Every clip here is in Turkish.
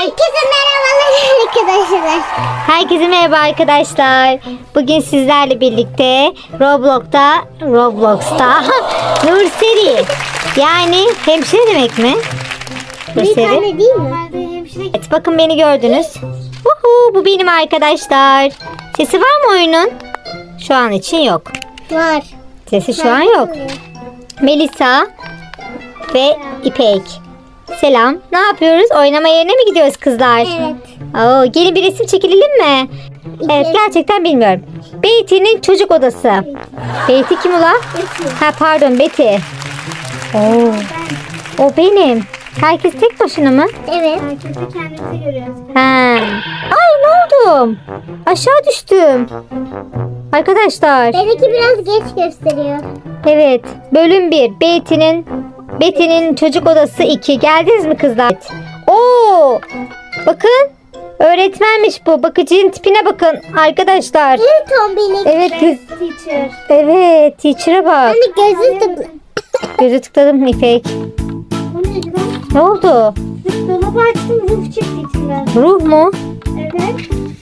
Herkese merhabalar arkadaşlar. Herkese merhaba arkadaşlar. Bugün sizlerle birlikte Roblox'ta Nurseri. Yani hemşire demek mi? Bir tane değil mi? Evet, bakın beni gördünüz. Bu benim arkadaşlar. Sesi var mı oyunun? Şu an için yok. Var. Sesi şu an yok. Melisa ve İpek. Selam. Ne yapıyoruz? Oynama yerine mi gidiyoruz kızlar? Evet. Oo, gelin bir resim çekilelim mi? Evet, gerçekten bilmiyorum. Betty'nin çocuk odası. Betty kim ula? Ha pardon, Betty. Oo. O benim. Herkes tek başına mı? Evet. Herkesi kendimizi görüyoruz. Ha. Ay ne oldum? Aşağı düştüm. Arkadaşlar. Benimki biraz geç gösteriyor. Evet. Bölüm 1. Betty'nin çocuk odası 2. Geldiniz mi kızlar? Oo! Bakın. Öğretmenmiş bu. Bakıcının tipine bakın arkadaşlar. Evet tombilik. Evet. Teacher. Evet. Teacher'a bak. Hani gözü tıklı. Gözü tıkladım İpek. O neydi lan? Ne oldu? Dolabı açtım, ruh çıktı içinden. Ruh mu? Evet.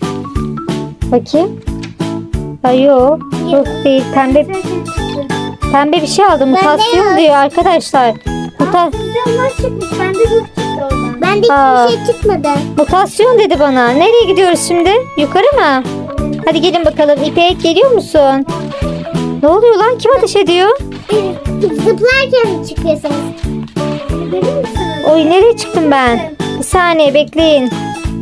Bakayım. Ay yok. Ruh değil. Pembe bir şey aldım. Mutasyon aldım. diyor arkadaşlar. Onlar çıkmış. Bende ruh çıktı oradan. Bende hiçbir şey çıkmadı. Mutasyon dedi bana. Nereye gidiyoruz şimdi? Yukarı mı? Hadi gelin bakalım. İpek geliyor musun? Ne oluyor lan? Kim ateş ediyor? Zıplarken çıkıyorsunuz. Verir misiniz? Oy nereye çıktım ben? Bir saniye bekleyin.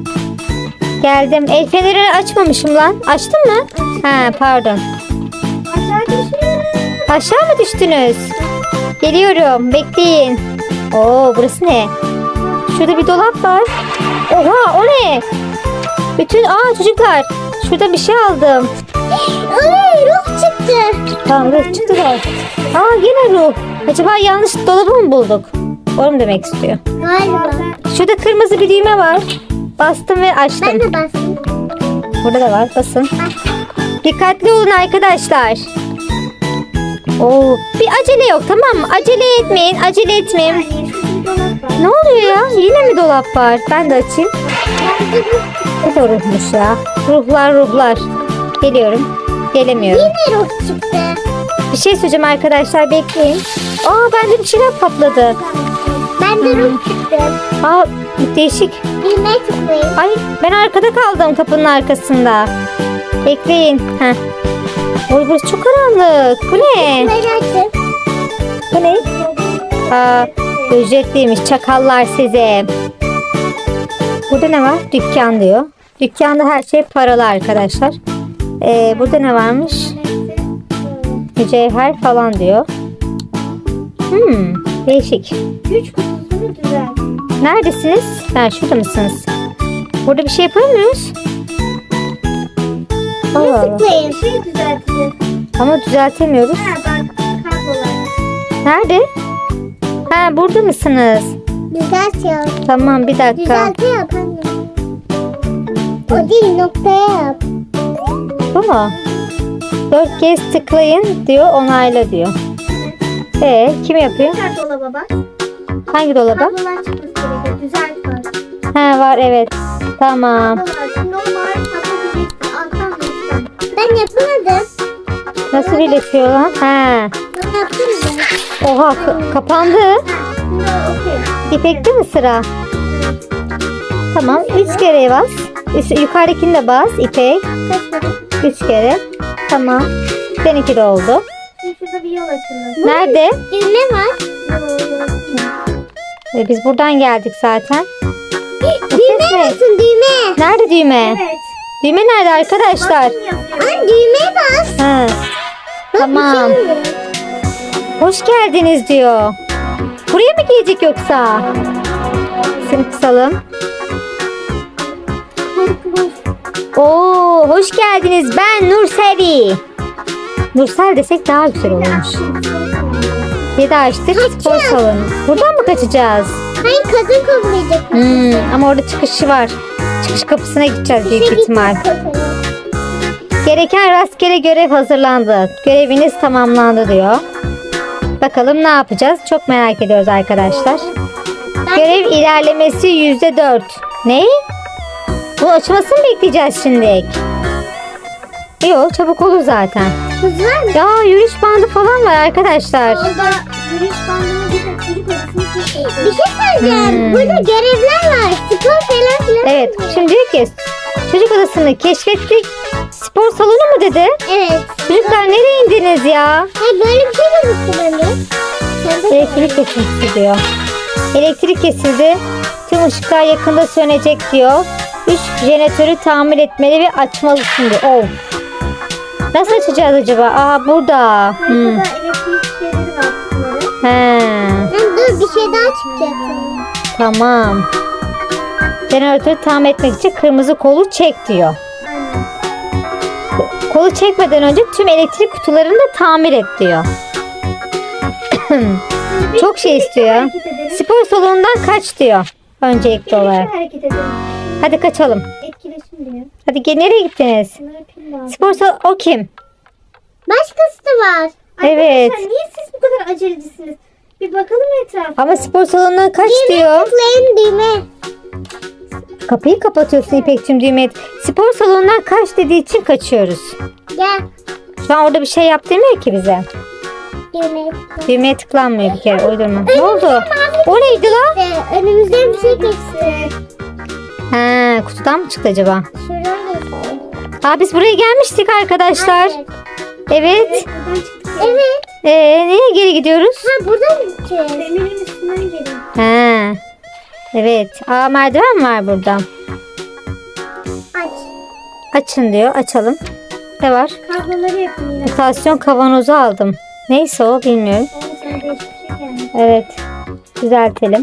Geldim. El feneri açmamışım lan. Açtın mı? Ha pardon. Aşağı düşüyoruz. Aşağı mı düştünüz? Geliyorum. Bekleyin. Oo burası ne? Şurada bir dolap var. Oha o ne? Çocuklar. Şurada bir şey aldım. Oley ruh çıktı. Tamam ruh çıktı da. Yine ruh. Acaba yanlış dolabı mı bulduk? Onu mu demek istiyor? Galiba. Şurada kırmızı bir düğme var. Bastım ve açtım. Ben de bastım. Burada da var. Basın. Dikkatli olun arkadaşlar. Oo, bir acele yok tamam mı? Acele etmeyin. Acele etmeyin. Yani şurada bir dolap var. Ne oluyor ya? Yine mi dolap var? Ben de açayım. Ne de ruhmuş ya? Ruhlar. Geliyorum. Gelemiyorum. Yine ruh çıktı. Bir şey söyleyeceğim arkadaşlar. Bekleyin. Bende bir şeyler patladı. Bende ruh çıktı. Değişik. Düğmeye tıklayın. Ay ben arkada kaldım kapının arkasında. Bekleyin. Heh. Oy burası çok karanlık. Bu ne? Tıklayın açın. Bu ne? Ücretliymiş. Çakallar size. Burada ne var? Dükkan diyor. Dükkanda her şey paralı arkadaşlar. Burada ne varmış? Mücevher falan diyor. Değişik. Güç kutusunu düzelt. Neredesiniz? Şurada mısınız? Burada bir şey yapıyor muyuz? Allah Allah. Tıklayın. Bir şey düzelteceğiz. Ama düzeltemiyoruz. Ha bak. Kablolar. Nerede? Burada mısınız? Düzelt ya. Tamam bir dakika. Düzelte yap anne. O değil noktaya yap. Bu mu? 4 kez tıklayın diyor, onayla diyor. Kim yapıyor? Tekrar dolaba bak. Hangi dolaba? Kablolar çıkması gerekiyor. Düzelt var. Var evet. Tamam. Kablolar. Şimdi o mavi kablo diyeceksin. Alttan ve üstten. Ben yapamadım. Nasıl birleşiyor lan? Ben yaptım. Oha kapandı. Şimdi okey. İpek'te mi sıra? Tamam 3 kere bas. Yukarıdakini de bas İpek. 3 kere. Tamam. Seninki de oldu. Şimdi şurada bir yol açıldı. Nerede? Düğme var. Biz buradan geldik zaten. Düğme yapsın düğme. Nerede düğme? Evet. Düğme nerede arkadaşlar? Basın yazıyor. Anne düğmeye bas. Tamam. Hoş geldiniz diyor. Buraya mı gelecek yoksa? Seni kısalım. Hoş geldiniz. Ben Nurseri. Nursel desek daha güzel olurmuş. Bir daha açtık. Spor salonu. Buradan mı kaçacağız? Hayır kadın kovlayacak. Ama orada çıkışı var. Çıkış kapısına gideceğiz büyük ihtimal. Gereken rastgele görev hazırlandı. Göreviniz tamamlandı diyor. Bakalım ne yapacağız? Çok merak ediyoruz arkadaşlar. Görev ilerlemesi %4. Ne? Bu açılmasını mı bekleyeceğiz şimdi? Yok, çabuk olur zaten. Hız var mı? Ya yürüyüş bandı falan var arkadaşlar. Orada yürüyüş bandını gidip çocuk odasını keşfediyor. Bir şey söyleyeceğim. Burada görevler var. Spor falan filan. Evet, şimdi diyor ki çocuk odasını keşfettik. Spor salonu mu dedi? Evet. Çocuklar nereye indiniz ya? Ha, böyle bir şey gözüktü bende. Sen de Elektrik kesildi diyor. Elektrik kesildi. Tüm ışıklar yakında sönecek diyor. 3 jeneratörü tamir etmeli ve açmalısın diyor. Oh. Nasıl açacağız acaba? Aa burada. Haritada elektrik şeyleri var kutuları. He. Ben dur bir şey daha çıkacak. Tamam. Jeneratörü tamir etmek için kırmızı kolu çek diyor. Aynen. Kolu çekmeden önce tüm elektrik kutularını da tamir et diyor. Çok şey istiyor. Hareket edelim. Spor salonundan kaç diyor. Öncelikli olarak. Birlikte hareket edelim. Hadi kaçalım. Etkileşim diyor. Hadi nereye gittiniz? Bunlara pil lazım. Spor salonu o kim? Başkası da var. Evet. Arkadaşlar niye siz bu kadar acelecisiniz? Bir bakalım etrafa. Ama spor salonundan kaç diyor. Tıklayın düğme. Kapıyı kapatıyorsun İpek'cim düğme. Spor salonundan kaç dediği için kaçıyoruz. Gel. Şu an orada bir şey yap demiyor ki bize. Düğme. Düğmeye tıklanmıyor bir kere. Uydurma. Ne oldu? O neydi lan? Önümüzden bir şey geçti. Ha, kutudan mı çıktı acaba? Şuradan geçti. Aa, biz buraya gelmiştik arkadaşlar. Evet. Buradan çıktık. Evet. Nereye geri gidiyoruz? Ha buradan gideceğiz. Demirin üstünden gelin. Ha. Evet. Aa, merdiven var burada. Aç. Açın diyor. Açalım. Ne var? Kabloları yapın yine. Mutasyon kavanozu aldım. Neyse o bilmiyorum. Sonra sana değişik bir şey gelmiş. Evet. Düzeltelim.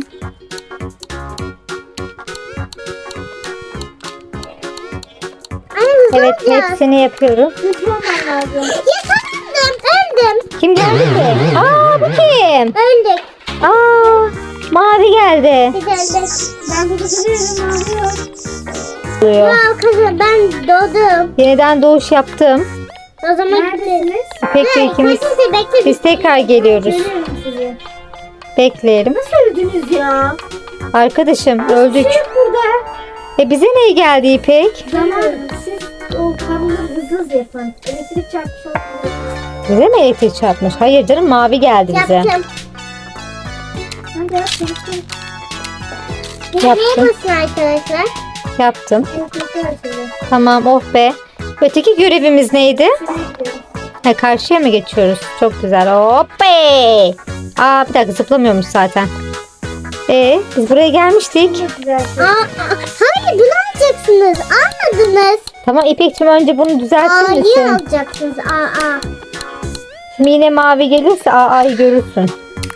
Anne hızlı Evet, olacağız. hepsini yapıyorum. Hızlı olman lazım. Yakaladım. Öldüm. Kim geldi ki? Aa, bu kim? Öldük. Aa, mavi geldi. Biz öldük. Ben burada duruyorum ağlıyor. Duruyor. Wow kızım ben doğdum. Yeniden doğuş yaptım. O zaman Neredesiniz? İpek ve ikimiz Hadi bekle. biz tekrar geliyoruz. Görüyorum sizi. Bekleyelim. Nasıl öldünüz ya? Arkadaşım öldük. Şey yok burada. Bize ne geldi İpek? Zaman siz o kabloları hızlı yapın. Elektrik çarpmış olsun. Bize mi elektrik çarpmış? Hayır canım, mavi geldi bize. Yaptım. Hadi yap çabuk. Düğmeye Yaptım. basın arkadaşlar. Yaptım. Elektrikler açıldı. Tamam, oh be. Öteki görevimiz neydi? Şuraya gidiyorum. Ha, karşıya mı geçiyoruz? Çok güzel. Hoppe. Aa, bir dakika, zıplamıyormuş zaten. Biz buraya gelmiştik. Çok güzel. Hayır bunu alacaksınız. Almadınız. Tamam İpek'cim, önce bunu düzeltir A'yı misin? alacaksınız. Aa. Şimdi yine mavi gelirse A'yı görürsün.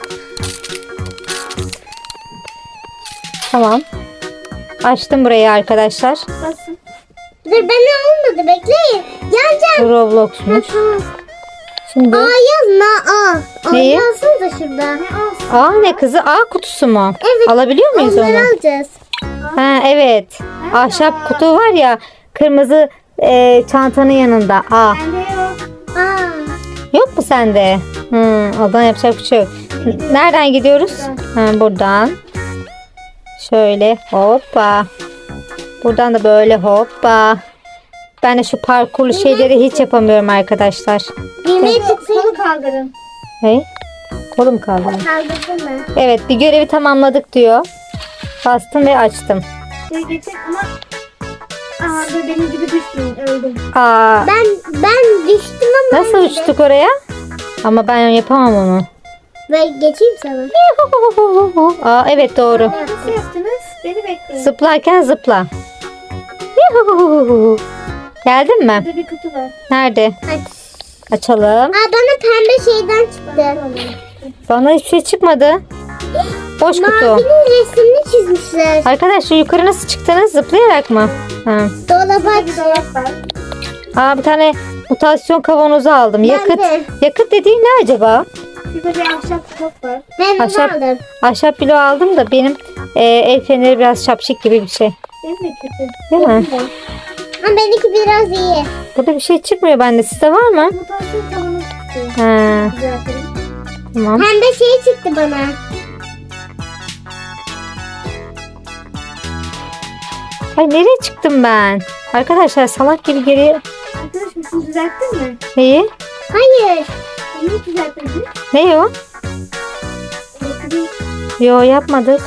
Tamam. Açtım burayı arkadaşlar. Basın. Dur ben olmadı bekleyin. Yanacağım. Bu Roblox'muş. Tamam. Şimdi A yaz na A. A Neyi? yazsın da şurada. Ne alsın? A ne kızı? A kutusu mu? Evet. Alabiliyor muyuz onu? Onları alacağız. Ha, evet. Ahşap kutu var ya, kırmızı çantanın yanında. A. Bende yok. Aa. Yok mu sende? Oradan yapacak bir şey yok. Nereden gidiyoruz? Ha, buradan. Şöyle hoppa. Buradan da böyle hoppa. Ben de şu parkurlu şeyleri hiç yapamıyorum arkadaşlar. Düğmeye tıklayın. Kolu kaldırın. Hey, kolum kaldı. Kaldırdın mı? Evet, bir görevi tamamladık diyor. Bastım ve açtım. Şuraya geçin ama aa dur benim gibi düşmeyin öldüm. Aa, Ben düştüm ama. nasıl uçtuk oraya? Ama ben yapamam onu. Ve geçeyim sana. Aa, evet doğru. Nasıl yaptınız? Beni bekleyin. Zıplarken zıpla. Yuhuhuhu. Geldin mi? Burada bir kutu var. Nerede? Aç. Açalım. Aa bana pembe şeyden çıktı. Bana hiçbir şey çıkmadı. Boş kutu. Mavinin resmini çizmişler. Arkadaşlar yukarı nasıl çıktınız? Zıplayarak mı? Ha. Dolaba aç. Bir dolap var. Aa, bir tane mutasyon kavanozu aldım. Ben Yakıt. de. Yakıt dediğin ne acaba? Şurada bir ahşap top var. Ben onu Ahşap. aldım. Ahşap bloğu aldım da benim el feneri biraz şapşik gibi bir şey. Benim de kötü. Değil mi? Benim de. Ama benimki biraz iyi. Burada bir şey çıkmıyor bende. Sizde var mı? Mutasyon kavanoz çıktı. Ha, Düzeltelim. tamam. Pembe şey çıktı bana. Ay nereye çıktım ben? Arkadaşlar salak gibi geri... Arkadaşım şunu düzelttin mi? Neyi? Hayır. Neyi düzelttin? Ne o? Elektriği. Yo yapmadık.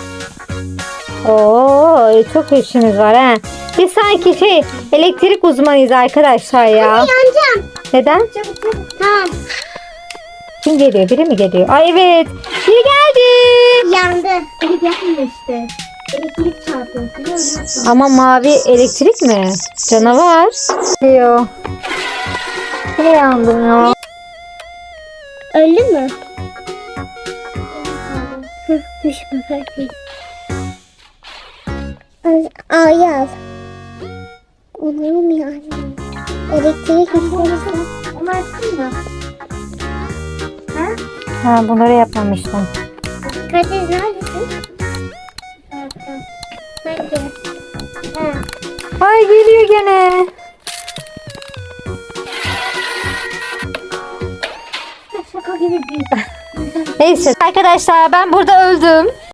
Oo çok işimiz var ha. Biz sanki elektrik uzmanıyız arkadaşlar ya. Yanacağım. Neden? Çabuk çabuk. Tamam. Kim geliyor? Biri mi geliyor? Ay evet. Biri geldi. Yandı. Elektrik yapmıyor işte. Elektrik çarpıyor. Seni ölüyorsun. Ama mavi elektrik mi? Canavar. Diyor. Ne yandım ya? Öldü mü? Düş bakalım. A'yı al. Olur mu yani? Elektrik istersen. Onu açtın mı? Ha? Ha, bunları yapmamıştım. Kadir neredesin? Bence. Ha. Ay geliyor gene. Şaka gibi değil. Neyse arkadaşlar ben burada öldüm.